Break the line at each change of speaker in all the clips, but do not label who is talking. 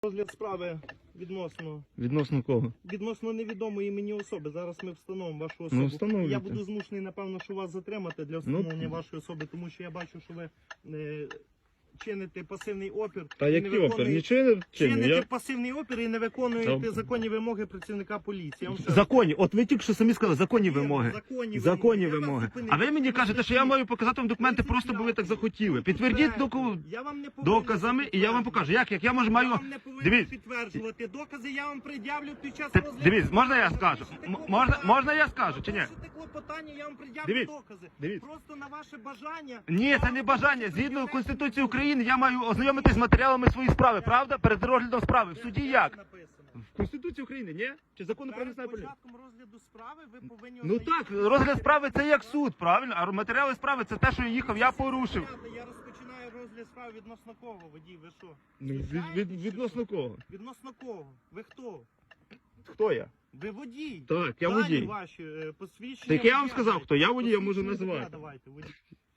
Розгляд справи відносно...
Відносно кого?
Відносно невідомої мені особи. Зараз ми встановимо вашу особу.
Ну, встановлюйте.
Я буду змушений, напевно, що вас затримати для встановлення вашої особи, тому що я бачу, що ви чините пасивний опір.
Та
і
який
не
опір? Нічого я не чиню.
Чините
Я...
пасивний опір і не виконуєте
Та-
законні вимоги працівника поліції. Я вам ще раз
Законні. От ви тільки що самі сказали, законні
Вірно,
вимоги.
законні
Законні
вимоги. Я
вимоги.
вас зупинив.
А ви мені кажете, що я маю показати вам документи просто, бо ви так захотіли. Підтвердіть
Я вам не повинен
доказами і я вам покажу. Як я можу
Я
маю...
вам не повинен
Дивіться.
підтверджувати. Докази я вам пред'явлю під час
Ти-
розгляду.
Дивіться, можна я скажу? Можна я скажу чи ні?
Порушите клопотання, я вам пред'явлю
Дивіться,
докази.
дивіться.
Просто на ваше бажання.
Ні, це не бажання. Згідно Конституції України я маю ознайомитись з матеріалами своєї справи, правда? Перед розглядом справи. В суді як?
Написано.
В Конституції України, ні? Чи закону про
Перед
національну поліцію?
початком розгляду справи ви повинні...
Ну так, розгляд справи це як суд, правильно? А матеріали справи це те, що я їхав, я порушив.
Я розпочинаю розгляд справи відносно кого, водій, ви що?
Ну,
Знущаєтесь, чи
відносно
що?
кого?
Відносно кого? Ви хто?
Хто я?
Ви водій.
Так, я
Дані
водій.
ваші, посвідчення
Так я вам
водія
сказав,
дайте.
хто я водій, я можу
Посвідчення водія
називати.
давайте, водій.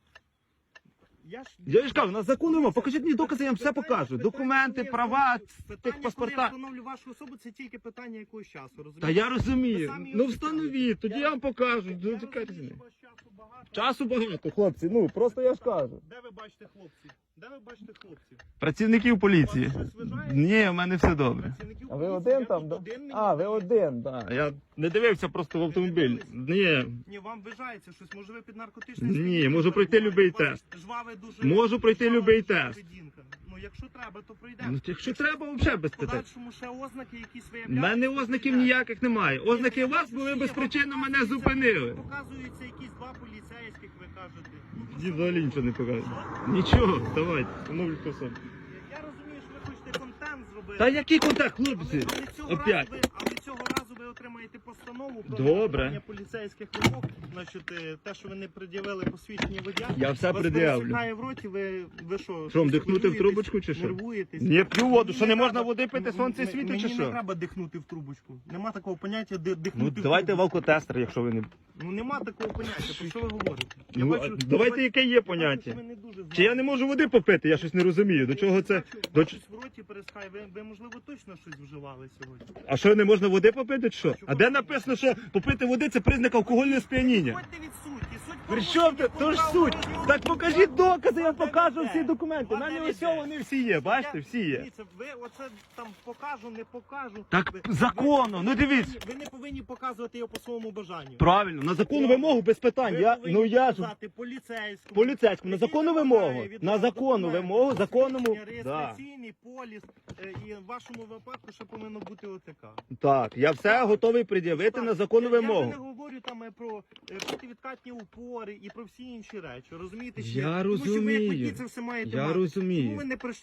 Я ж кажу, на закону вимог, покажіть мені докази, я вам все покажу. Документи, права, тих паспорта.
Коли я встановлю вашу особу, це тільки питання якогось часу, розумієте?
Та я розумію.
Ви самі
Ну
його
встановіть, тоді я вам покажу.
Я
Ну, чекайте.
розумію, що у вас часу багато.
Часу багато, хлопці, ну просто я ж кажу.
Де ви бачите хлопців? Де ви бачите хлопців?
Працівників поліції.
Вас щось вважає?
Ні, в мене все добре.
Працівників
А ви
поліції?
один
Я
там,
тут
да?
один, мені
А, ви
здається.
один, так. Я не дивився просто в автомобіль. Ні.
Ні, вам вважається щось, може ви під наркотичним
Ні,
сп'янінням
можу пройти
перебуваєте?
любий
У вас
тест.
жваве дуже...
Можу пройти
жвава
любий
дуже
тест.
поведінка. Ну, якщо треба, то пройдемо.
Ну, якщо треба, взагалі без
В
питань.
подальшому ще ознаки, якісь
У
виявляються.
мене ознаків ніяких немає. Ознаки у вас були безпричинно мене зупинили.
Показуються якісь два поліцейських, ви кажете. Ну, то
Ді
що?
взагалі нічого не показує. Нічого, давайте, встановлюйте особу.
Я розумію, що ви хочете контент зробити.
Та який контакт, хлопці? Опять.
Але цього разу ви отримаєте постанову про
Добре.
виконання поліцейських вимог. Значить, те, що ви не пред'явили посвідчення водія.
Я все
вас
пред'явлю.
пересихає в роті, ви що?
Що,
щось
вдихнути в
хвилюєтесь,
трубочку чи що?
Нервуєтесь?
Не п'ю воду, що
Мені
не можна
треба-
води пити, сонце світить чи
Мені не
що?
треба дихнути в трубочку. Нема такого поняття дихнути
Ну
в
давайте
трубочку.
валкотестер, якщо ви не...
Ну нема такого поняття, про що ви говорите?
Ну, а давайте яке є
я бачу,
поняття.
що ви не дуже знаєте.
Чи я не можу води попити, я щось не розумію. До чого це? До...
Щось в роті пересхає. Ви, можливо, точно щось вживали сьогодні?
А що, не можна води попити, чи що? А де написано, що попити води це признак алкогольного сп'яніння?
Ходьте від суті. Суть
При чому ти? То ж суть. Так покажіть докази, я покажу всі документи. У
Вас
мене
де
ось
йде?
вони всі є, бачите, всі є.
Дивіться, ви оце там покажу, не покажу.
Так
Ви-
законно, ну дивіться.
Ви не повинні показувати його по своєму бажанню.
Правильно, на законну вимогу без питань.
Ви
Я,
повинні
ну я ж
показати поліцейському.
поліцейському, на
який
законну
вимагає
вимогу,
від
на
вас
законну
документи,
вимогу, законному,
посвідчення,
да.
реєстраційний поліс, і в вашому випадку ще повинно бути ОТК.
Так, я все готовий пред'явити на законну
Я вже
вимогу.
не говорю там про противідкатні упори і про всі інші речі, розумієте? чи
Я
ні? Тому що ви як
розумію.
водій це все маєте
Я
мати.
розумію.
Тому ви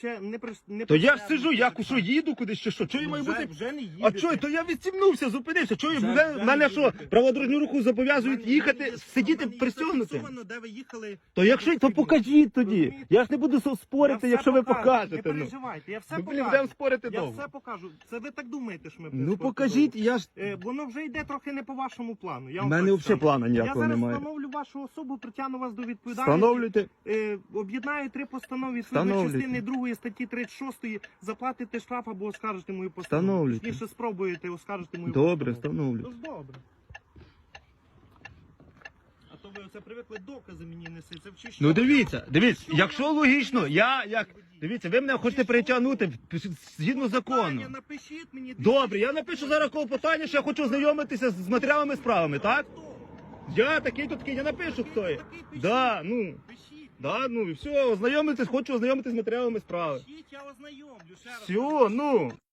не
То я ж сиджу, я що їду кудись чи що? Чого я маю бути?
Вже не їдете.
А чого? То я відстібнувся, зупинився. Чого
Вже
мене що,
їдете.
праводорожню руху зобов'язують
В мене
їхати,
є-
сидіти
в мене є
пристягнутим?
зафіксовано, де ви їхали.
То якщо, то покажіть тоді.
Розумієте?
Я ж не буду спорити,
Я
якщо
все
ви
покажу,
покажете.
Не
Ну,
переживайте, я все
ну блін,
покажу.
будемо спорити
Я
довго.
все покажу. Це ви так думаєте, що ми
Ну
споримо
покажіть,
довго?
я ж...
Воно вже йде трохи не по вашому плану. Я
У
вам
мене
так
взагалі
скажу.
плану
Я
ніякого
зараз
немає.
встановлю вашу особу, притягну вас до відповідальності.
Встановлюйте.
Об'єднаю 3 постанови відповідно
Встановлюйте.
частини 2 статті 36, заплатите штраф або оскаржите мою постанову.
Встановлюйте.
Точніше спробуєте оскаржити мою
Добре,
постанову.
встановлю.
Ну ж добре. А то ви оце привикли докази мені неси. Це вчиш.
Ну дивіться, якщо логічно, Дивіться, ви мене хочете перетягнути згідно закону.
Напишіть мені.
Добре, я напишу зараз клопотання, що я хочу ознайомитися з матеріалами справами, так? Я такий-то такий, я напишу, хто є. Да, ну,
Пишіть.
да, ну і все, хочу ознайомитись з матеріалами справи.
Пишіть, я ознайомлю. Ще раз.
Все, ну.